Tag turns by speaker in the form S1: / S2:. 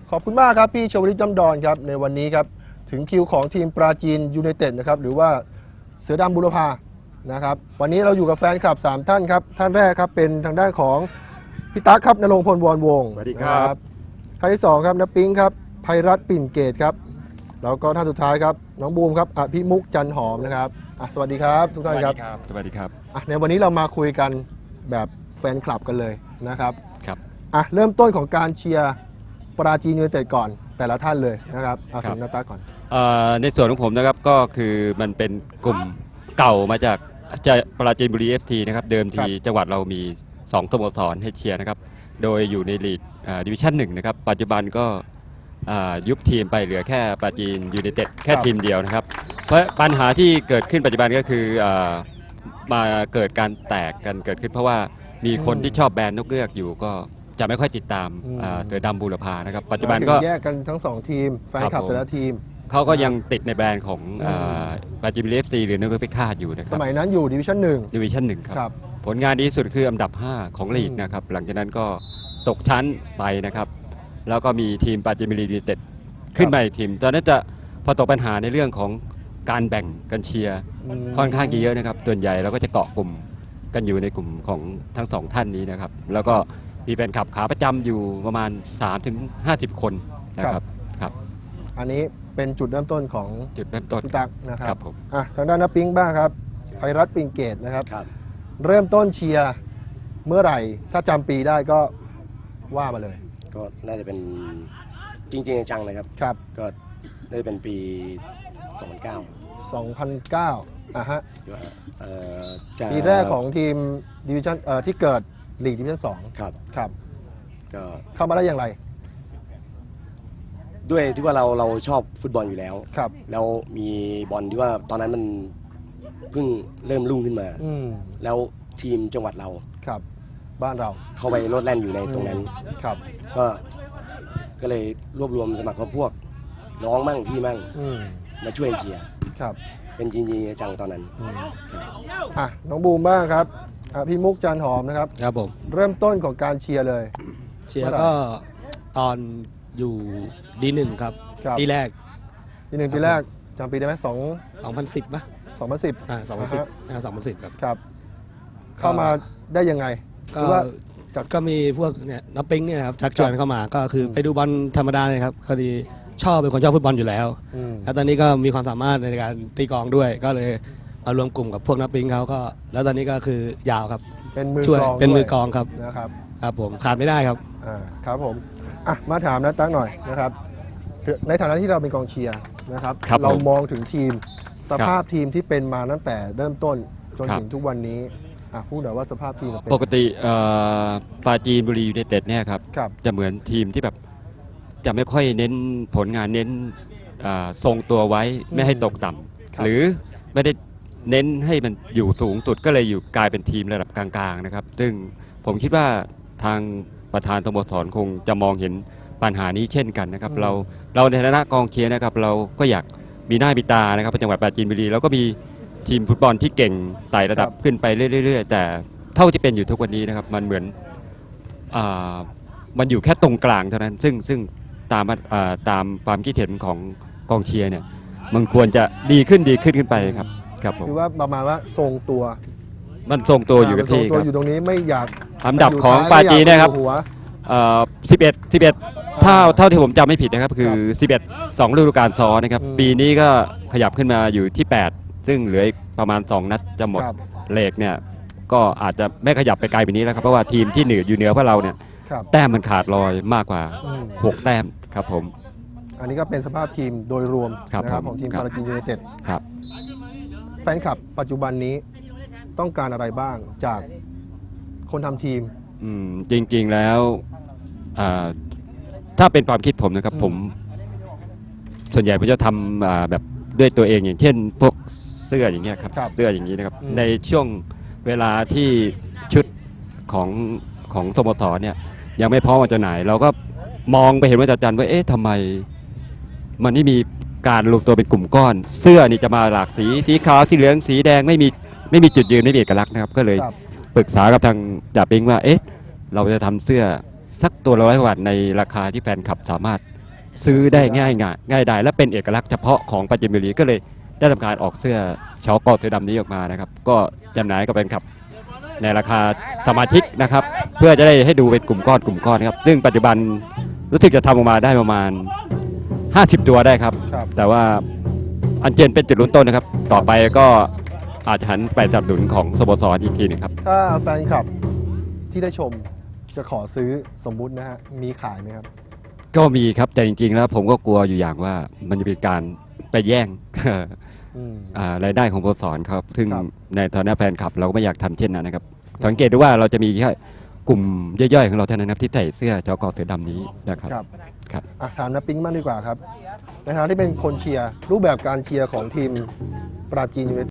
S1: ขอบคุณมากครับพี่ชวลิตจำดอนครับในวันนี้ครับถึงคิวของทีมปราจีนยูไนเต็ดนะครับหรือว่าเสือดำบุรพานะครับวันนี้เราอยู่กับแฟนคลับ3ท่านครับท่านแรกครับเป็นทางด้านของพี่ตั๊กครับณรงค์พลวรวงศ์
S2: สวัสดีครับ
S1: ท่านที่2ครับณปิ๊งครับไพรัตน์ปิ่นเกตครับแล้วก็ท่านสุดท้ายครับน้องบูมครับอภิมุกจันหอมนะครับสวัสดีครับทุกท่านครับ
S2: สวัสดีครับ
S1: ในวันนี้เรามาคุยกันแบบแฟนคลับกันเลยนะครับ
S2: ครับ
S1: เริ่มต้นของการเชียร์ปราจีนยูไนเต็ดก่อนแต่ละท่านเลยนะครับเอาสิงห์นาตาก่อน
S2: ในส่วนของผมนะครับก็คือมันเป็นกลุ่มเก่ามาจากปราจีนบุรี FT นะครับเดิมทีจังหวัดเรามี2สโมสรให้เชียร์นะครับโดยอยู่ในลีกดิวิชั่น1นะครับปัจจุบันก็ยุบทีมไปเหลือแค่ปราจีนยูไนเต็ดแค่ทีมเดียวนะครับเพราะปัญหาที่เกิดขึ้นปัจจุบันก็คือมาเกิดการแตกกันเกิดขึ้นเพราะว่ามีคนที่ชอบแบรนด์นกเงือกอยู่ก็จะไม่ค่อยติดตามเสือดำบูรพานะครับปัจจุบันก็
S1: แยกกันทั้ง2ทีมแฟนคลับแต่ละทีม
S2: เขาก็ยังติดในแบรนด์ของปราจีนบุรี FC หรือนกเงือกพิฆาตอยู่นะครับ
S1: สมัยนั้นอยู่ดิวิชั่น
S2: 1ครับผลงานดีที่สุดคืออันดับ5ของลีกนะครับหลังจากนั้นก็ตกชั้นไปนะครับแล้วก็มีทีมปราจีนบุรียูไนเต็ดขึ้นมาอีกทีมตอนนั้นจะพอตกปัญหาในเรื่องของการแบ่งกันเชียร์ค่อนข้างเยอะนะครับส่วนใหญ่เราก็จะเกาะกลุ่มกันอยู่ในกลุ่มของทั้ง2ท่านนี้นะครับแล้วก็มีแฟนคลับขาประจำอยู่ประมาณ 3-50 คนนะครับครับ
S1: อันนี้เป็นจุดเริ่มต้นของ
S2: จุดเริ่มต้น
S1: ตักนะครับ
S2: ผม
S1: ทางด้านน้าปิ๊งบ้างครับไพรัตน์ปิ่นเกตนะครับเริ่มต้นเชียร์เมื่อไหร่ถ้าจำปีได้ก็ว่ามาเลย
S3: ก็น่าจะเป็นจริงๆจังเลยครับก็ได้เป็นปี 2009
S1: ฮะปีแรกของทีมดิวิชั่นที่เกิดลีกดิวิชั่น2ครับก็เข้ามาได้อย่างไร
S3: ด้วยที่ว่าเราชอบฟุตบอลอยู่แล้วแล้วมีบอลที่ว่าตอนนั้นมันเพิ่งเริ่มรุ่งขึ้นมาแล้วทีมจังหวัดเรา
S1: บ้านเรา
S3: เข้าไปโลดแล่นอยู่ในตรงนั้นก็เลยรวบรวมสมัครพวกน้องมั่งพี่มั่งมาช่วยเชียร์เป็นจริงๆจังตอนนั้น
S1: น้องบูมบ้างครับพี่มุกจันหอมนะครับ
S4: ครับผม
S1: เริ่มต้นของการเชียร์เลย
S4: เชียร์ก็ตอนอยู่D1ครับปีแรก
S1: ปีแรกจำปีได้ไหม
S4: 2010ป่ะ2010
S1: ครับเข้ามาได้ยังไง
S4: ก็มีพวกเนี่ยนับปิ้งเนี่ยครับชักชวนเข้ามาก็คือไปดูบอลธรรมดาเลยครับพอดีเป็นคนชอบฟุตบอลอยู่แล้วแล้วตอนนี้ก็มีความสามารถในการตีกลองด้วยก็เลยมารวมกลุ่มกับพวกนับปิ้งเขาก็แล้วตอนนี้ก็คือยาวครับเป็นมือกลองครับครับผมขาดไม่ได้ครับ
S1: ครับผมมาถามนะตั้งหน่อยนะครับในฐานะที่เราเป็นกองเชียร์นะครับเรามองถึงทีมสภาพทีมที่เป็นมาตั้งแต่เริ่มต้นจนถึงทุกวันนี้พูดหน่อยว่าสภาพทีม
S2: ปกติปราจีนบุรียูไนเต็ดเนี่ยครับจะเหมือนทีมที่แบบจะไม่ค่อยเน้นผลงานเน้นทรงตัวไว้ไม่ให้ตกต่ำหรือไม่ได้เน้นให้มันอยู่สูงสุดก็เลยอยู่กลายเป็นทีมระดับกลางๆนะครับซึ่งผมคิดว่าทางประธานสโมสรคงจะมองเห็นปัญหานี้เช่นกันนะครับเราในฐานะกองเชียร์นะครับเราก็อยากมีหน้ามีตานะครับจังหวัดปราจีนบุรีแล้วก็มีทีมฟุตบอลที่เก่งไต่ระดับขึ้นไปเรื่อยๆแต่เท่าที่เป็นอยู่ทุกวันนี้นะครับมันเหมือนมันอยู่แค่ตรงกลางเท่านั้นซึ่งตามความคิดเห็นของกองเชียร์เนี่ยมันควรจะดีขึ้นขึ้นไปครับผม
S1: คือว่าประมาณว่าทรงตัว
S2: มันทรงตัวอยู่กับที่ครับ
S1: อยู่ตรงนี้ไม่อยาก
S2: อันดับของปราจีนนะครับ11เท่าที่ผมจำไม่ผิดนะครับคือ11 2ฤดูกาลซ้อนนะครับปีนี้ก็ขยับขึ้นมาอยู่ที่8ซึ่งเหลือประมาณ2นัดจะหมดเลขเนี่ยก็อาจจะไม่ขยับไปไกลไปนี้แล้วครับเพราะว่าทีมที่อยู่เหนือพวกเราเนี่ยแต้มมันขาดลอยมากกว่า6แต้มครับผม
S1: อันนี้ก็เป็นสภาพทีมโดยรวมนะครับของทีมปราจีนยูไนเต็ด
S2: ครับ
S1: แฟนคลับปัจจุบันนี้ต้องการอะไรบ้างจากคนทำทีม
S2: จริงๆแล้วถ้าเป็นความคิดผมนะครับผมส่วนใหญ่ผมจะทำแบบด้วยตัวเองอย่างเช่นพวกเสื้ออย่างเงี้ยครับเสื้ออย่างนี้นะครับในช่วงเวลาที่ชุดของสโมสรเนี่ยยังไม่พร้อมมาจำหน่ายเราก็มองไปเห็นว่าจันว่าทำไมมันไม่มีการรวมตัวเป็นกลุ่มก้อนเสื้อนี่จะมาหลากสีขาวสีเหลืองสีแดงไม่มีจุดยืนไม่มีเอกลักษณ์นะครับก็เลยปรึกษากับทางจ่าปิงว่าเราจะทำเสื้อสักตัวละ100 กว่าบาทในราคาที่แฟนคลับสามารถซื้อได้ง่ายดายและเป็นเอกลักษณ์เฉพาะของปราจีนบุรีก็เลยได้ทำการออกเสื้อชอกอเสือดำนี้ออกมานะครับก็จำหน่ายกับแฟนคลับในราคาสมาชิกนะครับเพื่อจะได้ให้ดูเป็นกลุ่มก้อนครับซึ่งปัจจุบันรู้สึกจะทำออกมาได้ประมาณ50 ตัวได้ครับ
S1: ครับ
S2: แต่ว่าอันเจนเป็นจุดเริ่มต้นนะครับต่อไปก็อาจจะหันไปสนับสนุนของสโมสรอีกทีหนึงครับ
S1: ถ้าแฟนคลับที่ได้ชมจะขอซื้อสมมุตินะฮะมีขายไหมครับ
S2: ก็มีครับแต่จริงๆแล้วผมก็กลัวอยู่อย่างว่ามันจะเป็นการไปแย่ง
S1: อืม
S2: รายได้ของสโมสรครับซึ่ง
S1: ครับ
S2: ในฐานะแฟนคลับเราก็ไม่อยากทำเช่นนั้นนะครับสังเกตดูว่าเราจะมีแค่กลุ่มย่อยๆของเราเท่านั้นครับที่ใส่เสื้อจกเสือดำนี้นะครับ
S1: ครับ
S2: ครับ
S1: ถามน้าปิ๊งมากดีกว่าครับในฐานะที่เป็นคนเชียร์รูปแบบการเชียร์ของทีมปราจีนยูไนเต็ด